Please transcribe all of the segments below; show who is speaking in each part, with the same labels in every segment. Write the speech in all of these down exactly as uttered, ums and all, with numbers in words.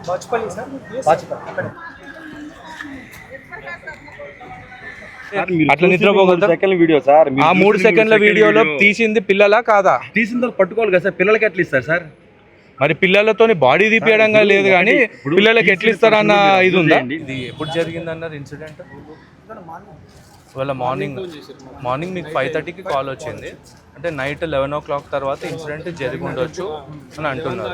Speaker 1: Bachupally sir, Bachupally.
Speaker 2: అట్లా నిద్రపోగలుగుతారు.
Speaker 3: Second video sir,
Speaker 2: ఆ మూడు సెకండ్ల వీడియోలో తీసింది పిల్లలా కాదా?
Speaker 3: తీసిన తర్వాత పట్టుకోవాలి కదా సార్, పిల్లలకి ఎట్లా ఇస్తారు సార్?
Speaker 2: మరి పిల్లలతో బాడీ తీపియడంగా లేదు కానీ పిల్లలకి ఎట్లా ఇస్తారన్న ఇది ఉందా? ఇది ఎప్పుడు జరిగింది అన్నారు ఇన్సిడెంట్? ఇవాళ మార్నింగ్ మార్నింగ్ మీకు ఫైవ్ థర్టీకి కాల్ వచ్చింది అంటే నైట్ లెవెన్ ఓ క్లాక్ తర్వాత ఇన్సిడెంట్ జరిగి ఉండొచ్చు అని అంటున్నారు.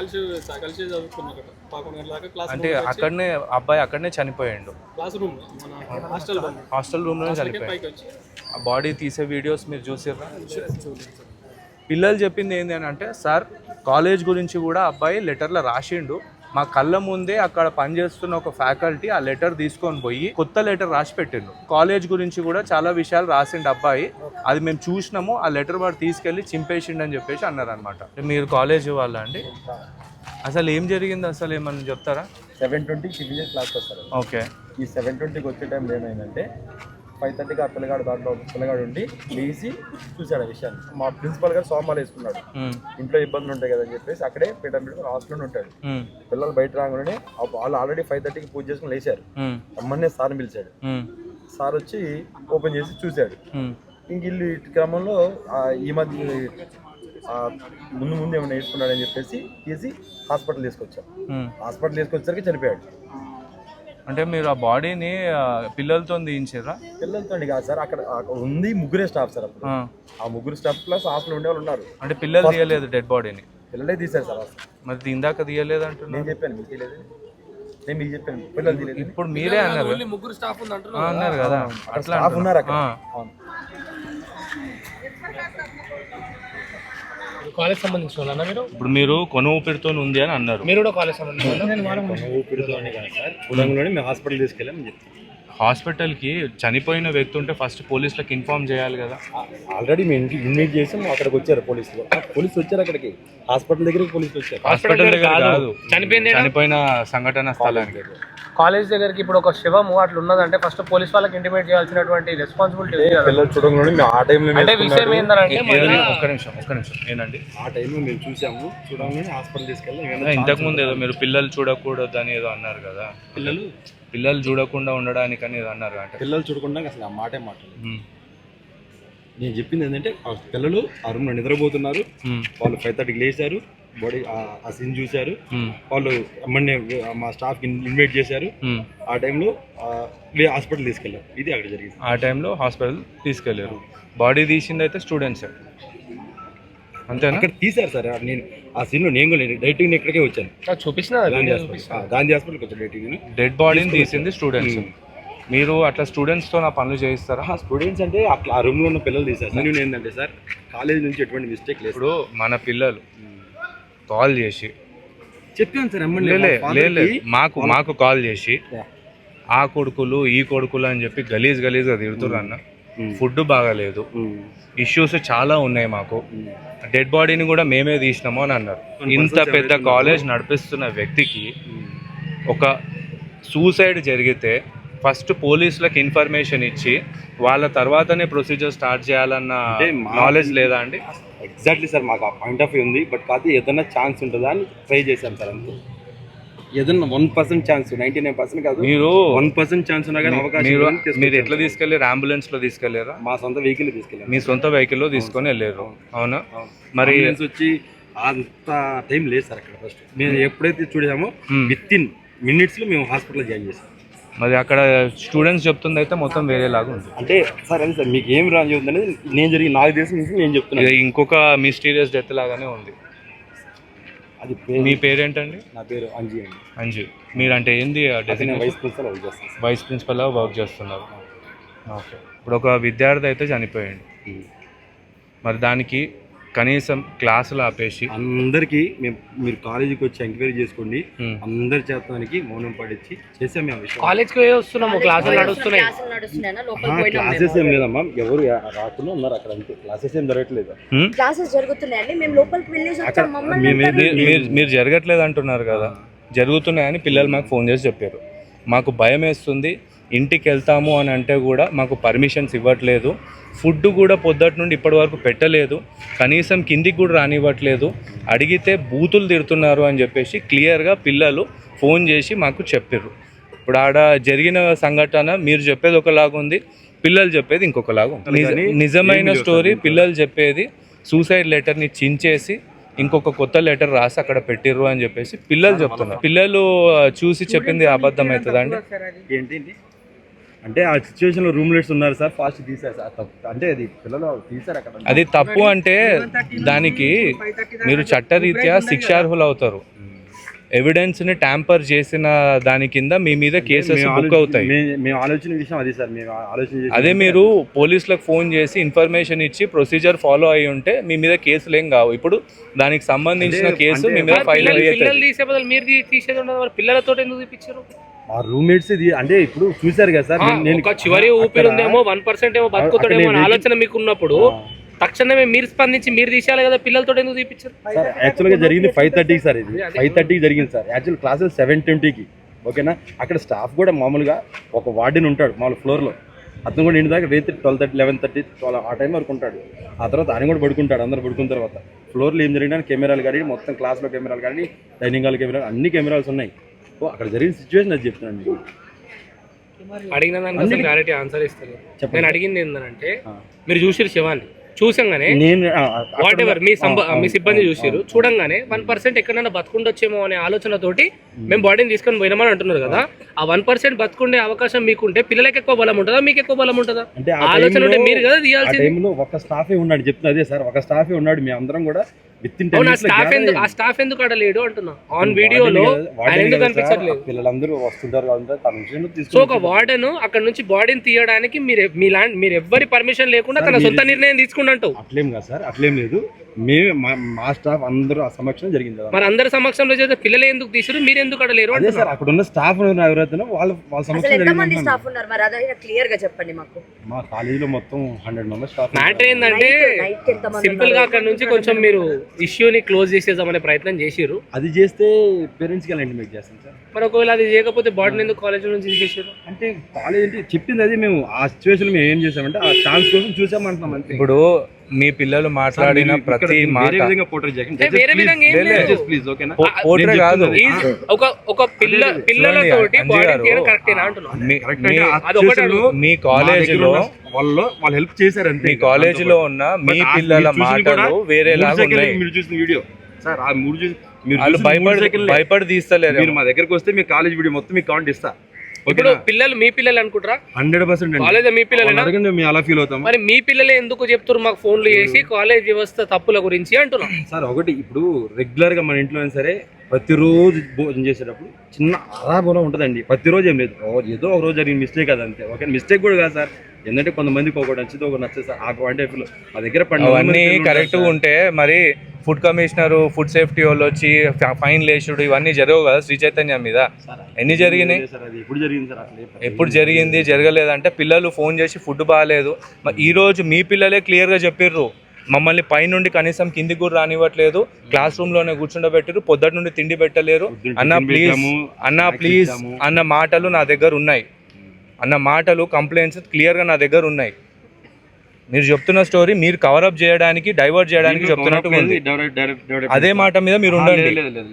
Speaker 2: అంటే అక్కడనే అబ్బాయి అక్కడనే చనిపోయాడు, హాస్టల్ రూమ్లోనే చనిపోయాడు. ఆ బాడీ తీసే వీడియోస్ మీరు చూసారా? పిల్లలు చెప్పింది ఏంటి అని అంటే, సార్ కాలేజ్ గురించి కూడా అబ్బాయి లెటర్లో రాసిండు, మా కళ్ళ ముందే అక్కడ పనిచేస్తున్న ఒక ఫ్యాకల్టీ ఆ లెటర్ తీసుకొని పోయి కొత్త లెటర్ రాసి పెట్టిండు. కాలేజ్ గురించి కూడా చాలా విషయాలు రాసిండు అబ్బాయి, అది మేము చూసినాము, ఆ లెటర్ వాడు తీసుకెళ్ళి చింపేసిండు అని చెప్పేసి అన్నారు అనమాట. మీరు కాలేజ్ వాళ్ళ అండి? అసలు ఏం జరిగింది, అసలు ఏమన్నా చెప్తారా?
Speaker 4: సెవెన్ ట్వంటీకి సివిజిల్ క్లాస్కి వస్తారు.
Speaker 2: ఓకే.
Speaker 4: ఈ సెవెన్ ట్వంటీకి వచ్చే టైంలో ఏమైందంటే ఫైవ్ థర్టీకి ఆ పిల్లగాడు దాంట్లో పిల్లగాడు ఉండి లేచి చూశాడు ఆ విషయాన్ని. మా ప్రిన్సిపల్ గారు సోమాలు వేసుకున్నాడు, ఇంట్లో ఇబ్బందులు ఉంటాయి కదని చెప్పేసి అక్కడే పీటర్ పెట్టుకుని హాస్టల్లో ఉంటాడు. పిల్లలు బయట రాగానే వాళ్ళు ఆల్రెడీ ఫైవ్ థర్టీకి పూజ చేసుకుని లేచారు. అమ్మనే సార్ని పిలిచాడు. సార్ వచ్చి ఓపెన్ చేసి చూశాడు. ఇంక ఇల్లు ఇటు క్రమంలో ఈ మధ్య ముందు ముందు ఏమైనా వేసుకున్నాడని చెప్పేసి తీసి హాస్పిటల్ తీసుకొచ్చాం. హాస్పిటల్ తీసుకొచ్చేసరికి చనిపోయాడు.
Speaker 2: అంటే మీరు ఆ బాడీని పిల్లలతో తీయించారా?
Speaker 4: పిల్లలతో కాదు సార్, అక్కడ ఉంది ముగ్గురే స్టాఫ్ సార్. అప్పుడు ఆ ముగ్గురు స్టాఫ్ ప్లస్ హాస్టల్ ఉండే వాళ్ళు ఉన్నారు.
Speaker 2: అంటే పిల్లలు తీయలేదు డెడ్ బాడీని?
Speaker 4: పిల్లలే తీశారు సార్.
Speaker 2: మరి ఇందాక తీయలేదు అంటున్నారు.
Speaker 4: నేను చెప్పాను మీకు తీయలేదు, నేను మీకు చెప్పాను పిల్లలు తీయలేదు.
Speaker 2: ఇప్పుడు మీరే అన్నారు
Speaker 1: ముగ్గురు స్టాఫ్
Speaker 2: అన్నారు కదా, అట్లా
Speaker 4: ఉన్నారు అక్కడ.
Speaker 1: కాలేజ్ సంబంధించిన వాళ్ళ మీరు?
Speaker 2: ఇప్పుడు మీరు కొన ఊపిరితో ఉంది అని అన్నారు,
Speaker 1: మీరు కూడా కాలేజ్ సంబంధించిన
Speaker 4: ఊపిరితో కాదు సార్, కులంలోనే మేము హాస్పిటల్ తీసుకెళ్ళామని చెప్తాం.
Speaker 2: హాస్పిటల్కి చనిపోయిన వ్యక్తి ఉంటే ఫస్ట్ పోలీసులకు ఇన్ఫార్మ్ చేయాలి కదా.
Speaker 4: ఆల్రెడీ మేము ఇంటికి ఇన్వైట్ చేసాం, అక్కడికి వచ్చారు పోలీసులు. పోలీసులు వచ్చారు అక్కడికి, హాస్పిటల్ దగ్గరికి పోలీసులు వచ్చారు.
Speaker 2: హాస్పిటల్ దగ్గర కాదు, చనిపోయింది చనిపోయిన సంఘటన స్థలానికి.
Speaker 1: కాలేజ్ దగ్గరికి ఇప్పుడు ఒక శవము అట్లా ఉన్నదంటే ఫస్ట్ పోలీస్ వాళ్ళకి ఇంటిమేట్ చేయాల్సినటువంటి రెస్పాన్సిబిలిటీ
Speaker 4: పిల్లలు చూడంగానే ఆ టైంలో
Speaker 1: అంటే విషయం ఏంటంటే
Speaker 2: ఒక్క నిమిషం ఒక్క నిమిషం ఏంటండి,
Speaker 4: ఆ టైంలో మేము చూసాము, చూడంగానే హాస్పిటల్ తీసుకెళ్ళాం.
Speaker 2: ఇంతకు ముందు ఏదో మీరు పిల్లలు చూడకూడదు అని ఏదో అన్నారు కదా,
Speaker 4: పిల్లలు
Speaker 2: పిల్లలు చూడకుండా ఉండడానికి అని ఏదో అన్నారు అంటే
Speaker 4: పిల్లలు చూడకుండా అసలు ఆ మాటే మాట్లాడలేదు. నేను చెప్పింది ఏంటంటే ఆ పిల్లలు ఆ రూమ్లో నిద్రపోతున్నారు, వాళ్ళు ఫైవ్ థర్టీకి లేచారు, బాడీ ఆ సీన్ చూశారు, వాళ్ళు అమ్మని మా స్టాఫ్ ఇన్వైట్ చేశారు. ఆ టైంలో హాస్పిటల్ తీసుకెళ్ళారు. ఇది అక్కడ జరిగింది.
Speaker 2: ఆ టైంలో హాస్పిటల్ తీసుకెళ్ళారు. బాడీ తీసింది అయితే స్టూడెంట్స్ అంతేనా?
Speaker 4: అక్కడ తీశారు సార్. నేను ఆ సీన్లో నేను కూడా డైరెక్ట్ ఇక్కడికే వచ్చాను,
Speaker 1: చూపించిన
Speaker 4: గాంధీ హాస్పిటల్ గాంధీ హాస్పిటల్కి వచ్చాను డైరెక్ట్.
Speaker 2: డెడ్ బాడీని తీసింది స్టూడెంట్స్. మీరు అట్లా స్టూడెంట్స్తో నా పనులు చేయిస్తారా?
Speaker 4: స్టూడెంట్స్ అంటే అట్లా ఆ రూమ్లో ఉన్న పిల్లలు తీశారు. నేను ఏంటంటే సార్, కాలేజ్ నుంచి ఎటువంటి మిస్టేక్ లేదు.
Speaker 2: ఇప్పుడు మన పిల్లలు కాల్ చేసి
Speaker 4: చెప్పాను సార్,
Speaker 2: లేదు మాకు మాకు కాల్ చేసి ఆ కొడుకులు ఈ కొడుకులు అని చెప్పి గలీజ్ గలీజ్గా తిడుతుర్రు అన్న, ఫుడ్ బాగాలేదు, ఇష్యూస్ చాలా ఉన్నాయి, మాకు డెడ్ బాడీని కూడా మేమే తీసినాము అని అన్నారు. ఇంత పెద్ద కాలేజ్ నడిపిస్తున్న వ్యక్తికి ఒక సూసైడ్ జరిగితే ఫస్ట్ పోలీసులకు ఇన్ఫర్మేషన్ ఇచ్చి వాళ్ళ తర్వాతనే ప్రొసీజర్ స్టార్ట్ చేయాలన్న నాలెడ్జ్ లేదా అండి?
Speaker 4: ఎగ్జాక్ట్లీ సార్, మాకు ఆ పాయింట్ ఆఫ్ వ్యూ ఉంది. బట్ కాదు ఏదైనా ఛాన్స్ ఉంటుందా అని ట్రై చేశాం సార్. అంతే, ఏదైనా one percent chance, ninety nine percent కాదు, మీరు వన్ పర్సెంట్ ఛాన్స్ ఉన్నా కానీ అవకాశం.
Speaker 2: మీరు ఎట్లా తీసుకెళ్ళారు? అంబులెన్స్ లో తీసుకెళ్లారా?
Speaker 4: మా సొంత వెహికల్ తీసుకెళ్ళారు.
Speaker 2: మీ సొంత వెహికల్లో తీసుకొని వెళ్ళారు, అవునా? మరి
Speaker 4: వచ్చి అంత టైం లేదు సార్ అక్కడ. ఫస్ట్ మేము ఎప్పుడైతే చూసామో విత్ ఇన్ మినిట్స్ లో మేము హాస్పిటల్ జాయిన్ చేసాం.
Speaker 2: మరి అక్కడ స్టూడెంట్స్ చెప్తుంది అయితే మొత్తం వేరేలాగా ఉంది.
Speaker 4: అంటే సార్ అదే సార్, మీకు ఏం రాజు ఉందనేది నేను జరిగి నాకు తెలిసి నేను చెప్తున్నాను.
Speaker 2: ఇంకొక మిస్టీరియస్ డెత్ లాగానే ఉంది. అది మీ పేరేంటండి?
Speaker 4: నా పేరు అంజీ అండి.
Speaker 2: అంజీ. మీరంటే ఏంది?
Speaker 4: వైస్ ప్రిన్సిపల్ వర్క్ చేస్తాను.
Speaker 2: వైస్ ప్రిన్సిపల్ వర్క్ చేస్తున్నారు. ఓకే. ఇప్పుడు ఒక విద్యార్థి అయితే చనిపోయాడు, మరి దానికి కనీసం క్లాసులు ఆపేసి
Speaker 4: అందరికి మేము మీరు కాలేజీకి వచ్చి ఎంక్వైరీ చేసుకోండి, అందరి చేతానికి మౌనం పాటించి చేసాం. మేము
Speaker 1: కాలేజ్కి వస్తున్నాము, క్లాసులు నడుస్తున్నాయి.
Speaker 4: క్లాసెస్ ఏం లేదమ్మా, ఎవరు రాకుండా ఉన్నారు అక్కడ, అంతే. క్లాసెస్ ఏం జరగట్లేదు.
Speaker 5: క్లాసెస్ జరుగుతున్నాయండి, మేము లోపలికి వెళ్ళేసి
Speaker 2: మీరు జరగట్లేదు అంటున్నారు కదా, జరుగుతున్నాయని పిల్లలు మాకు ఫోన్ చేసి చెప్పారు. మాకు భయం వేస్తుంది, ఇంటికి వెళ్తాము అని అంటే కూడా మాకు పర్మిషన్స్ ఇవ్వట్లేదు. ఫుడ్ కూడా పొద్దుటి నుండి ఇప్పటి వరకు పెట్టలేదు, కనీసం కిందికి కూడా రానివ్వట్లేదు. అడిగితే బూతులు తిడుతున్నారు అని చెప్పేసి క్లియర్గా పిల్లలు ఫోన్ చేసి మాకు చెప్పారు. ఇప్పుడు ఆడ జరిగిన సంఘటన మీరు చెప్పేది ఒకలాగా ఉంది, పిల్లలు చెప్పేది ఇంకొకలాగా ఉంది. నిజ- నిజమైన స్టోరీ పిల్లలు చెప్పేది సూసైడ్ లెటర్ని చించేసి ఇంకొక కొత్త లెటర్ రాసి అక్కడ పెట్టిర్రు అని చెప్పేసి పిల్లలు చెప్తున్నారు. పిల్లలు చూసి చెప్పింది అబద్ధం అవుతుందా అండి?
Speaker 3: ఏంటి అంటే ఆ సిచ్యువేషన్ లో రూమ్లెట్స్ ఉన్నారు సార్, ఫాస్ట్ తీసారు సార్. తప్పు అంటే అది పిల్లలు తీసారు అక్కడ.
Speaker 2: అది తప్పు అంటే దానికి మీరు చట్టరీత్యా శిక్షార్హులు అవుతారు. ఎవిడెన్స్ ని ట్యాంపర్ చేసిన దాని కింద మీ మీద కేసెస్ బుక్ అవుతాయి.
Speaker 3: మేము ఆలోచన విషయం అది సార్, మేము ఆలోచన
Speaker 2: అదే మీరు పోలీసులకు ఫోన్ చేసి ఇన్ఫర్మేషన్ ఇచ్చి ప్రొసీజర్ ఫాలో అయ్యి ఉంటే మీ మీద కేసులు ఏం కావు. ఇప్పుడు దానికి సంబంధించిన కేసు మీ మీద ఫైల్
Speaker 1: పిల్లలు తీసే బదులు మీరు తీ- తీసేది ఉండదు, మరి పిల్లలతో ఎందుకు తీపిచ్చారు?
Speaker 3: ఆ రూమ్మేట్స్ అంటే ఇప్పుడు చూసారు కదా సార్. నేను
Speaker 1: ఒక చివరి ఊపిరి ఉందేమో, వన్ పర్సెంట్ ఏమో బతుకుతాడేమో అనే ఆలోచన మీకు ఉన్నప్పుడు తక్షణమే మీరు స్పందించి మీరు తీసేయాలి కదా, పిల్లలతో ఎందుకు తీపిచ్చారు?
Speaker 3: సార్ యాక్చువల్గా జరిగింది ఫైవ్ థర్టీకి సార్, ఇది ఫైవ్ థర్టీకి జరిగింది సార్. యాక్చువల్ క్లాసెస్ సెవెన్ ట్వంటీకి ఓకేనా. అక్కడ స్టాఫ్ కూడా మామూలుగా ఒక వార్డెన్ ఉంటాడు మామూలు ఫ్లోర్లో, అతను కూడా ఇంటి దాకా రేత్రి twelve thirty eleven thirty twelve ఆ టైం వరకు ఉంటాడు. ఆ తర్వాత ఆయన కూడా పడుకుంటాడు. అందరు పడుకున్న తర్వాత ఫ్లోర్లో ఏం జరిగినా కెమెరాలు కానీ మొత్తం క్లాస్లో కెమెరాలు కానీ డైనింగ్ హాల్ కెమెరాలు అన్ని కెమెరాస్ ఉన్నాయి. ఓ అక్కడ జరిగిన సిచ్యువేషన్ అది చెప్తున్నాను మీకు.
Speaker 1: అడిగిన దానికి క్లారిటీ ఆన్సర్ ఇస్తారు. నేను అడిగింది ఏంటంటే మీరు చూసిరు శివాన్ని చూసంగానే
Speaker 3: నేను
Speaker 1: వాట్ ఎవర్ మీ సంబ మీ సిబ్బంది చూసారు చూడంగానే వన్ పర్సెంట్ ఎక్కడైనా బతుకుండొచ్చేమో అనే ఆలోచనతోటి మేము బాడీని తీసుకొని పోయినామని అంటున్నారు కదా. ఆ వన్ పర్సెంట్ బతుకుండే అవకాశం మీకుంటే పిల్లలకి ఎక్కువ బలం ఉంటుందా, మీకు ఎక్కువ బలం ఉంటుందా?
Speaker 3: అంటే
Speaker 1: ఆలోచన ఉంటే మీరు కదా తీయాల్సింది.
Speaker 3: టైంలో ఒక స్టాఫే ఉన్నాడు చెప్తున్నా. అదే సార్ ఒక స్టాఫే ఉన్నాడు, మేము అందరం కూడా విత్ ఇన్
Speaker 1: ఆ స్టాఫ్ ఎందుకు ఆ స్టాఫ్ ఎందుకు అక్కడ లేడు అంటున్నా. ఆన్ వీడియోలో ఆయన ఎందుకు కనిపించట్లేదు?
Speaker 3: పిల్లలందరూ వస్తుంటారు కదా.
Speaker 1: సో ఒక వార్డెన్ అక్కడ నుంచి బాడీని తీయడానికి మీరు మీ ల్యాండ్ మీరు ఎవ్వరి పర్మిషన్ లేకుండా తన సొంత నిర్ణయం తీసుకున్నట్టు.
Speaker 3: అట్లేం కాదు సార్, అట్లేం లేదు. మేము మా స్టాఫ్ అందరూ ఆ సమక్షం జరిగింది కదా.
Speaker 1: మరి అందరి సమక్షంలో చేస్తే పిల్లలు ఎందుకు తీసారు, మీరు ఎందుకు అక్కడ లేరు?
Speaker 3: అదే సార్ అక్కడ ఉన్న స్టాఫ్ ఎవరైతే వాళ్ళ వాళ్ళ సమక్షం జరిగింది.
Speaker 5: స్టాఫ్ ఉన్నారు మరి అదే క్లియర్ గా చెప్పండి మాకు.
Speaker 3: మా కాలేజీలో మొత్తం హండ్రెడ్ మెంబర్స్ స్టాఫ్.
Speaker 1: మ్యాటర్ ఏంటంటే సింపుల్ గా అక్కడ నుంచి కొంచెం మీరు ఇష్యూని క్లోజ్ చేసేద్దామనే ప్రయత్నం చేసిర్రు.
Speaker 3: అది చేస్తే పేరెంట్స్కి ఎలా ఇంటిమేట్ చేస్తాం సార్.
Speaker 1: మరి ఒకవేళ అది చేయకపోతే బాడీని ఎందుకు కాలేజ్ నుంచి తీసేసారు?
Speaker 3: అంటే కాలేజ్ అంటే చెప్పింది అది, మేము ఆ సిచ్యువేషన్ మేము ఏం చేసామంటే ఆ ఛాన్స్ కోసం చూసామంటున్నాం అంతే.
Speaker 2: ఇప్పుడు మీ పిల్లలు మాట్లాడిన ప్రతి మాట
Speaker 1: వేరే విధంగా ఏం లేదు.
Speaker 3: ప్లీజ్ ఓకేనా.
Speaker 2: పోట్రే కాదు,
Speaker 1: Is ఒక ఒక పిల్ల పిల్లలతోటి బాడీ తీయడం కరెక్టేనా అంటున్నాను.
Speaker 2: మీ- మీ- మీ కాలేజీలో
Speaker 3: వాళ్ళు వాళ్ళు హెల్ప్ చేశారు అంతే.
Speaker 2: మీ కాలేజీలో ఉన్న మీ పిల్లల మాటలు వేరేలాగా ఉన్నాయి.
Speaker 3: మీరు చూసిన వీడియో సార్, ఆ మూడు చూసి మీరు
Speaker 2: వాళ్ళు
Speaker 3: చూసిన మూడు
Speaker 2: భయపడి
Speaker 3: సెకన్లే.
Speaker 2: భయపడి తీస్తలేరు.
Speaker 3: మీరు మా దగ్గరకు వస్తే మీ కాలేజ్ వీడియో మొత్తం మీకు కౌంట్ ఇస్తా.
Speaker 1: ఇప్పుడు పిల్లలు మీ పిల్లలు అనుకుంటారా?
Speaker 3: హండ్రెడ్ పర్సెంట్
Speaker 1: కాలేజ్ మీ పిల్లలేనా?
Speaker 3: అడగండి, మేము అలా ఫీల్ అవుతాం.
Speaker 1: మరి మీ పిల్లలే ఎందుకు చెప్తారు మాకు ఫోన్లు చేసి కాలేజ్ వ్యవస్థ తప్పుల గురించి అంటున్నాం.
Speaker 3: సార్ ఒకటి ఇప్పుడు రెగ్యులర్ గా మన ఇంట్లో అయినా సరే ప్రతిరోజు భోజనం చేసేటప్పుడు చిన్న అరాబోనం ఉంటుందండి. ప్రతిరోజు ఏం లేదు, ఓ ఏదో ఒక రోజు జరిగిన మిస్టేక్ అది అంతే. ఓకే మిస్టేక్ కూడా కాదు సార్, ఎందుకంటే కొంతమందికి ఒకటి నచ్చితే ఒకటి నచ్చదు సార్. ఆ అంటే మా దగ్గర
Speaker 2: అవన్నీ కరెక్ట్గా ఉంటే మరి ఫుడ్ కమిషనర్ ఫుడ్ సేఫ్టీ వాళ్ళు వచ్చి ఫైన్ లేచుడు ఇవన్నీ జరగవు కదా శ్రీ చైతన్య మీద. ఎన్ని జరిగినాయి?
Speaker 3: ఎప్పుడు జరిగింది సార్? అసలు
Speaker 2: ఎప్పుడు జరిగింది జరగలేదంటే పిల్లలు ఫోన్ చేసి ఫుడ్ బాగాలేదు. మరి ఈ రోజు మీ పిల్లలే క్లియర్గా చెప్పిర్రు, మమ్మల్ని పైనుండి కనీసం కిందికి కూడా రానివ్వట్లేదు, క్లాస్ రూమ్ లోనే కూర్చుండబెట్టారు, పొద్దుటి నుండి తిండి పెట్టలేరు. అన్న ప్లీజ్ అన్న ప్లీజ్ అన్న మాటలు నా దగ్గర ఉన్నాయి, అన్న మాటలు కంప్లైంట్స్ క్లియర్గా నా దగ్గర ఉన్నాయి. మీరు చెప్తున్న స్టోరీ మీరు కవరప్ చేయడానికి డైవర్ట్ చేయడానికి చెప్తున్నట్టు ఉంది. అదే మాట మీద మీరు ఉండండి,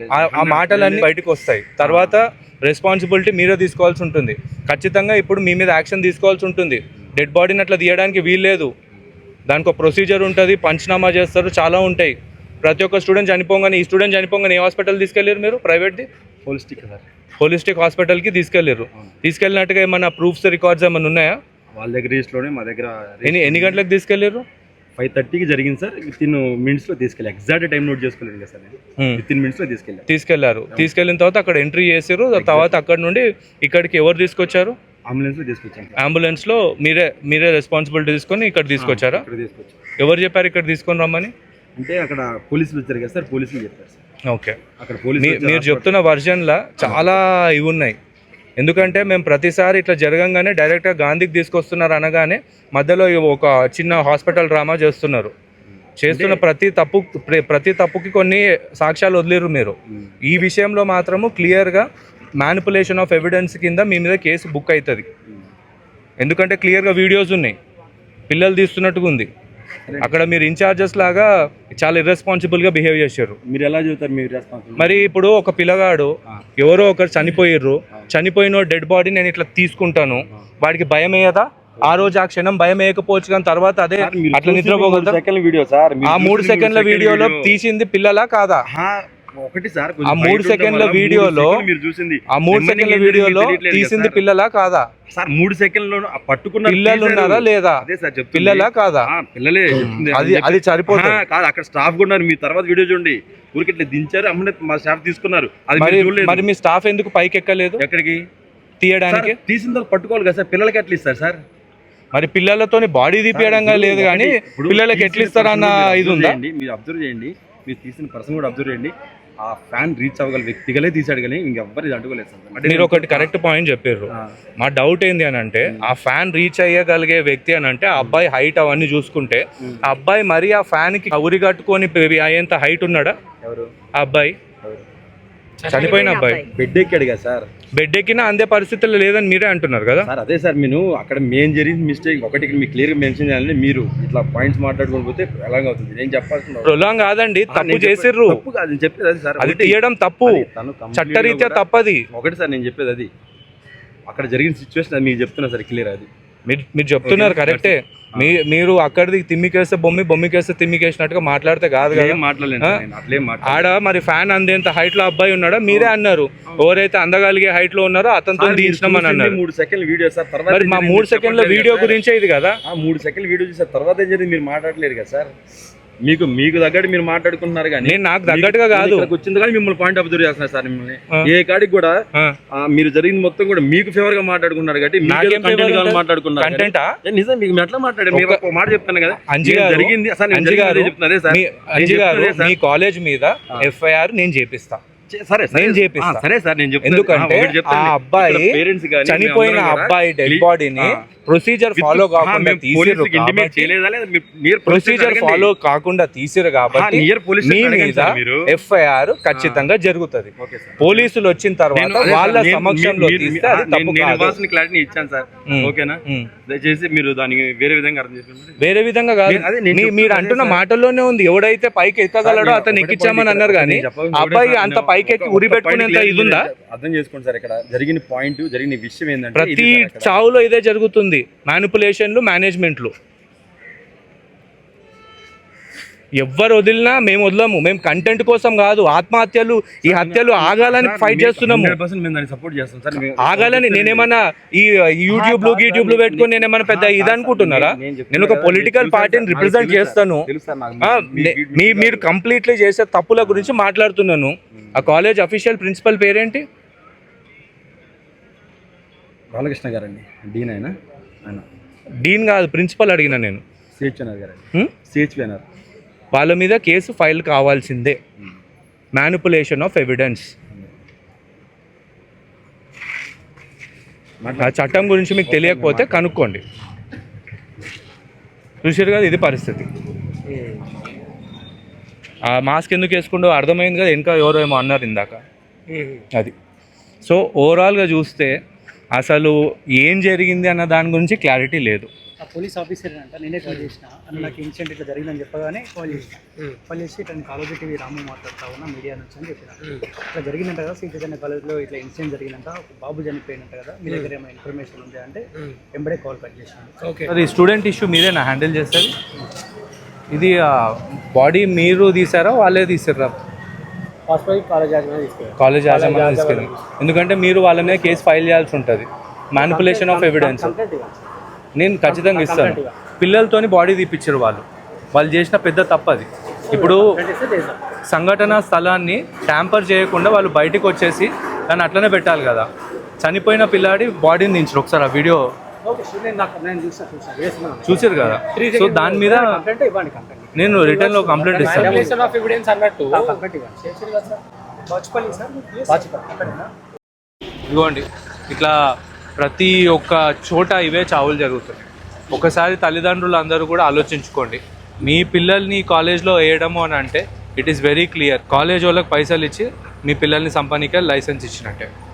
Speaker 2: ఆ మాటలన్నీ బయటకు వస్తాయి. తర్వాత రెస్పాన్సిబిలిటీ మీరే తీసుకోవాల్సి ఉంటుంది. ఖచ్చితంగా ఇప్పుడు మీ మీద యాక్షన్ తీసుకోవాల్సి ఉంటుంది. డెడ్ బాడీని అట్లా తీయడానికి వీల్లేదు, దానికి ఒక ప్రొసీజర్ ఉంటుంది, పంచనామా చేస్తారు, చాలా ఉంటాయి. ప్రతి ఒక్క స్టూడెంట్ చనిపోగానే ఈ స్టూడెంట్ చనిపోగానే ఏ హాస్పిటల్ తీసుకెళ్ళారు మీరు? ప్రైవేట్ది
Speaker 3: హోలిస్టిక్ సార్,
Speaker 2: హోలిస్టిక్ హాస్పిటల్కి తీసుకెళ్ళారు. తీసుకెళ్ళినట్టుగా ఏమన్నా ప్రూఫ్స్ రికార్డ్స్ ఏమైనా ఉన్నాయా?
Speaker 3: వాళ్ళ దగ్గర రిజిస్ట్లోనే మా దగ్గర
Speaker 2: ఎన్ని ఎన్ని గంటలకు తీసుకెళ్ళారు?
Speaker 3: ఫైవ్ థర్టీకి జరిగింది సార్. విత్ ఇన్ మినిట్స్ లో తీసుకెళ్ళి ఎగ్జాక్ట్ టైం నోట్ చేసుకోలేదు కదా సార్. విత్ ఇన్ మినిట్స్ లో తీసుకెళ్ళారు
Speaker 2: తీసుకెళ్లారు తీసుకెళ్ళిన తర్వాత అక్కడ ఎంట్రీ చేశారు. తర్వాత అక్కడ నుండి ఇక్కడికి ఎవరు తీసుకొచ్చారు?
Speaker 3: అంబులెన్స్ లో తీసుకొచ్చాం.
Speaker 2: అంబులెన్స్ లో మీరే మీరే రెస్పాన్సిబిలిటీ తీసుకొని ఇక్కడ తీసుకొచ్చారా?
Speaker 3: ఇక్కడ తీసుకొచ్చాం.
Speaker 2: ఎవరు చెప్పారు ఇక్కడ తీసుకొని రమ్మని?
Speaker 3: అంటే అక్కడ పోలీసులు వచ్చారు కదా సార్, పోలీసులు చెప్పారు సార్.
Speaker 2: ఓకే,
Speaker 3: అక్కడ పోలీసులు
Speaker 2: మీరు చెప్తున్న వర్జన్లా చాలా ఇవి ఉన్నాయి. ఎందుకంటే మేము ప్రతిసారి ఇట్లా జరగంగానే డైరెక్ట్గా గాంధీకి తీసుకొస్తున్నారు అనగానే మధ్యలో ఒక చిన్న హాస్పిటల్ డ్రామా చేస్తున్నారు. చేస్తున్న ప్రతి తప్పు ప్రతి తప్పుకి కొన్ని సాక్ష్యాలు వదిలేరు మీరు. ఈ విషయంలో మాత్రము క్లియర్గా మ్యానిపులేషన్ ఆఫ్ ఎవిడెన్స్ కింద మీ మీద కేసు బుక్ అవుతుంది. ఎందుకంటే క్లియర్గా వీడియోస్ ఉన్నాయి, పిల్లలు తీస్తున్నట్టుగా ఉంది. అక్కడ మీరు ఇన్ఛార్జెస్ లాగా చాలా ఇర్రెస్పాన్సిబుల్గా బిహేవ్ చేశారు.
Speaker 3: మీరు ఎలా చెబుతారు మీరు రెస్పాన్సిబుల్?
Speaker 2: మరి ఇప్పుడు ఒక పిల్లగాడు ఎవరో ఒకరు చనిపోయిర్రు, చనిపోయిన డెడ్ బాడీ నేను ఇట్లా తీసుకుంటాను, వాడికి భయం వేయదా? ఆ రోజు ఆ క్షణం భయం వేయకపోవచ్చు, కానీ తర్వాత అదే అట్లా నిద్రపోగలుగుతారు.
Speaker 3: సెకండ్ వీడియో సార్,
Speaker 2: ఆ మూడు సెకండ్ల వీడియోలో తీసింది పిల్లలా కాదా?
Speaker 3: ఒకటి సార్,
Speaker 2: ఆ మూడు సెకండ్ల వీడియోలో
Speaker 3: మీరు చూసింది
Speaker 2: ఆ మూడు సెకండ్ల వీడియోలో తీసింది పిల్లలా కాదా?
Speaker 3: సార్ మూడు సెకండ్లో పట్టుకున్న
Speaker 2: పిల్లలు ఉన్నారా లేదా?
Speaker 3: అదే సార్ చెప్తుంది.
Speaker 2: పిల్లలా కాదా?
Speaker 3: పిల్లలే.
Speaker 2: అది అది సరిపోతుంది
Speaker 3: కాదు, అక్కడ స్టాఫ్ కూడా ఉన్నారు. మీ తర్వాత వీడియో చూడండి, ఊరికి ఇట్లా దించారు, అమ్మనే మా స్టాఫ్ తీసుకున్నారు. అది
Speaker 2: మరి
Speaker 3: మీరు చూడలేదు.
Speaker 2: మరి మీ స్టాఫ్ ఎందుకు పైకి ఎక్కలేదు
Speaker 3: ఎక్కడికి
Speaker 2: తీయడానికి?
Speaker 3: తీసిన తర్వాత పట్టుకోవాలి కదా సార్, పిల్లలకి ఎట్లా ఇస్తారు సార్?
Speaker 2: మరి పిల్లలతోని బాడీ తీపియడంగా లేదు, కానీ పిల్లలకి ఎట్లా ఇస్తారన్న ఇది ఉందా?
Speaker 3: మీరు అబ్జర్వ్ చేయండి, మీరు తీసిన పర్సన్ కూడా అబ్జర్వ్ చేయండి. ఆ ఫ్యాన్ రీచ్ అవ్వగల వ్యక్తిగలే తీసాడు, కానీ ఇంకెవ్వరు ఇది అడ్డుకోలేదు సార్.
Speaker 2: మీరు ఒకటి కరెక్ట్ పాయింట్ చెప్పారు. మా డౌట్ ఏంది అని అంటే, ఆ ఫ్యాన్ రీచ్ అయ్యగలిగే వ్యక్తి అని అంటే ఆ అబ్బాయి హైట్ అవన్నీ చూసుకుంటే, ఆ అబ్బాయి మరి ఆ ఫ్యాన్ కి ఉరి కట్టుకొని అయ్యేంత హైట్ ఉన్నాడా?
Speaker 3: ఎవరు
Speaker 2: ఆ అబ్బాయి? చనిపోయిన అబ్బాయి
Speaker 3: బెడ్ ఎక్కాడు కదా సార్.
Speaker 2: బెడ్ ఎక్కినా అందే పరిస్థితుల్లో లేదని మీరే అంటున్నారు కదా
Speaker 3: సార్. అదే సార్, నేను అక్కడ మెయిన్ జరిగింది మిస్టేక్ ఒకటి మీకు క్లియర్గా మెన్షన్ చేయాలంటే, మీరు ఇట్లా పాయింట్స్ మాట్లాడుకొని పోతే ఎలాగ అవుతుంది? నేను చెప్పాల్సిన
Speaker 2: ప్రొలాంగ్ కాదండి, తప్పు చేసిర్రు.
Speaker 3: తప్పు కాదు నేను చెప్పేది అది సార్.
Speaker 2: అది తీయడం తప్పు, చట్టరీత్యా తప్పది.
Speaker 3: ఒకటి సార్ నేను చెప్పేది అది, అక్కడ జరిగిన సిచ్యువేషన్ అది మీకు చెప్తున్నా సార్, క్లియర్ అది.
Speaker 2: మీరు మీరు చెప్తున్నారు కరెక్టే. మీ మీరు అక్కడిది తిమ్మికేస్తే బొమ్మి, బొమ్మికేస్తే తిమ్మికేసినట్టుగా మాట్లాడితే కాదు కదా. ఆడ మరి ఫ్యాన్ అందేంత హైట్ లో అబ్బాయి ఉన్నాడా? మీరే అన్నారు. ఎవరైతే అందగలిగే హైట్ లో ఉన్నారో అతనితో తీసినామని అన్నారు.
Speaker 3: మూడు సెకండ్ వీడియో సార్.
Speaker 2: మరి మా మూడు సెకండ్ల వీడియో గురించే ఇది కదా.
Speaker 3: మూడు సెకండ్ వీడియో చూసారు, తర్వాత ఏం జరిగింది మీరు మాట్లాడలేరు కదా సార్. మీకు మీకు తగ్గట్టు మీరు మాట్లాడుకుంటున్నారు, కానీ
Speaker 2: నేను నాకు తగ్గట్టుగా కాదు.
Speaker 3: వచ్చింది కానీ మిమ్మల్ని పాయింట్ అబ్జర్వ్ చేస్తున్నారు సార్. మిమ్మల్ని ఏ కాడికి కూడా మీరు జరిగింది మొత్తం కూడా మీకు ఫేవర్ గా మాట్లాడుకున్నారు, కాబట్టి మాట్లాడుకున్నారు.
Speaker 2: కంటెంటా
Speaker 3: నిజం మీకు ఎట్లా మాట్లాడారు? మీరు ఒక మాట చెప్తాను కదా,
Speaker 2: అంజి గారు
Speaker 3: జరిగింది అసలు
Speaker 2: చెప్తున్నదే సార్. అంజి గారు మీ కాలేజ్ మీద ఎఫ్ఐఆర్ నేను చేపిస్తా.
Speaker 3: సరే
Speaker 2: నేను చేపిస్తా.
Speaker 3: సరే సార్, నేను
Speaker 2: ఎందుకంటే ఆ అబ్బాయి చనిపోయిన అబ్బాయి డెడ్ బాడీని ప్రొసీజర్ ఫాలో కాకుండా తీసిరు, ప్రొసీజర్ ఫాలో కాకుండా తీసిరు కాబట్టి మీ మీద ఎఫ్ఐఆర్ ఖచ్చితంగా జరుగుతుంది. పోలీసులు వచ్చిన తర్వాత వాళ్ళ సమక్షంలో తీస్తే అది తప్పు కాదు.
Speaker 3: క్లారిటీ ఇచ్చాను సార్, ఓకేనా? దయచేసి మీరు దాన్ని వేరే విధంగా అర్థం చేసుకుంటారు.
Speaker 2: వేరే విధంగా కాదు, మీరు అంటున్న మాటల్లోనే ఉంది. ఎవడైతే పైకి ఎక్కగలడో అతను ఎక్కించామని అన్నారు, కానీ అబ్బాయి అంత పైకి ఎక్కి ఉరి పెట్టుకునేంత ఇది ఉందా?
Speaker 3: అర్థం చేసుకోండి సార్. ఇక్కడ జరిగిన పాయింట్, జరిగిన విషయం ఏంటంటే,
Speaker 2: ప్రతి చావులో ఇదే జరుగుతుంది. మ్యానిపులేషన్లు, మేనేజ్మెంట్లు. ఎవ్వరు వదిలినా మేము వదలము. మేము కంటెంట్ కోసం కాదు, ఆత్మహత్యలు ఈ హత్యలు ఆగాలని ఫైట్ చేస్తున్నాము. ఆగాలని నేనేమన్నా ఈ యూట్యూబ్ లో యూట్యూబ్ లో పెట్టుకుని నేనేమన్నా పెద్ద ఇది అనుకుంటున్నారా? నేను ఒక పొలిటికల్ పార్టీని రిప్రజెంట్ చేస్తాను. మీరు కంప్లీట్లీ చేసే తప్పుల గురించి మాట్లాడుతున్నాను. ఆ కాలేజ్ అఫీషియల్ ప్రిన్సిపల్ పేరేంటి?
Speaker 3: బాలకృష్ణ గారండి. డీన్ అయినా ఆయన
Speaker 2: డీన్ కాదు, ప్రిన్సిపల్ అడిగిన నేను.
Speaker 3: సిహెచ్ఎన్ఆర్ గారు. సిహెచ్ఎన్ఆర్
Speaker 2: వాళ్ళ మీద కేసు ఫైల్ కావాల్సిందే. Manipulation of evidence. ఆ చట్టం గురించి మీకు తెలియకపోతే కనుక్కోండి. చూసారు కదా, ఇది పరిస్థితి. ఆ మాస్క్ ఎందుకు వేసుకుంటూ అర్థమైంది కదా, ఇంకా ఎవరో ఏమో అన్నారు ఇందాక. అది సో ఓవరాల్గా చూస్తే అసలు ఏం జరిగింది అన్న దాని గురించి క్లారిటీ లేదు.
Speaker 6: పోలీస్ ఆఫీసర్ అంట నేనే కాల్ చేసిన అన్న, నాకు ఇన్సిడెంట్ ఇట్లా జరిగిందని చెప్పగానే కాల్ చేసిన. కాల్ చేసి ఇట్లా కాలేజీ టీవీ రాము మాట్లాడుతా ఉన్నా మీడియా నుంచి అని చెప్పిన. ఇట్లా జరిగిందంట కదా, శ్రీచైతన్య కాలేజ్లో ఇట్లా ఇన్సిడెంట్ జరిగిందంట, ఒక బాబు చనిపోయినంట కదా, మీ దగ్గర ఏమైనా ఇన్ఫర్మేషన్ ఉంది అంటే వెంబడే కాల్ కట్ చేసాను.
Speaker 2: అది స్టూడెంట్ ఇష్యూ మీరేనా హ్యాండిల్ చేస్తారు? ఇది బాడీ మీరు తీసారా వాళ్ళే తీసారా?
Speaker 6: కాలేజ్ యాజమాన్యం తీసుకెళ్ళి
Speaker 2: కాలేజ్ యాజమాన్యం తీసుకెళ్ళి ఎందుకంటే మీరు వాళ్ళ మీద కేసు ఫైల్ చేయాల్సి ఉంటుంది. మ్యానిపులేషన్ ఆఫ్ ఎవిడెన్స్ నేను ఖచ్చితంగా ఇస్తాను. పిల్లలతోని బాడీ తీపిచ్చారు వాళ్ళు. వాళ్ళు చేసిన పెద్ద తప్పు అది. ఇప్పుడు సంఘటన స్థలాన్ని ట్యాంపర్ చేయకుండా వాళ్ళు బయటకు వచ్చేసి దాన్ని అట్లనే పెట్టాలి కదా. చనిపోయిన పిల్లాడి బాడీని దించరు. ఒకసారి ఆ వీడియో చూసారు కదా. సో దాని మీద నేను రిటర్న్ లో కంప్లైంట్ ఇస్తాను. ఇదిగోండి, ఇట్లా ప్రతి ఒక్క చోట ఇవే చావులు జరుగుతాయి. ఒకసారి తల్లిదండ్రులు అందరూ కూడా ఆలోచించుకోండి. మీ పిల్లల్ని కాలేజ్లో వేయడము అని అంటే it is very clear. College వాళ్ళకి పైసలు ఇచ్చి మీ పిల్లల్ని సంపాదించే లైసెన్స్ ఇచ్చినట్టే.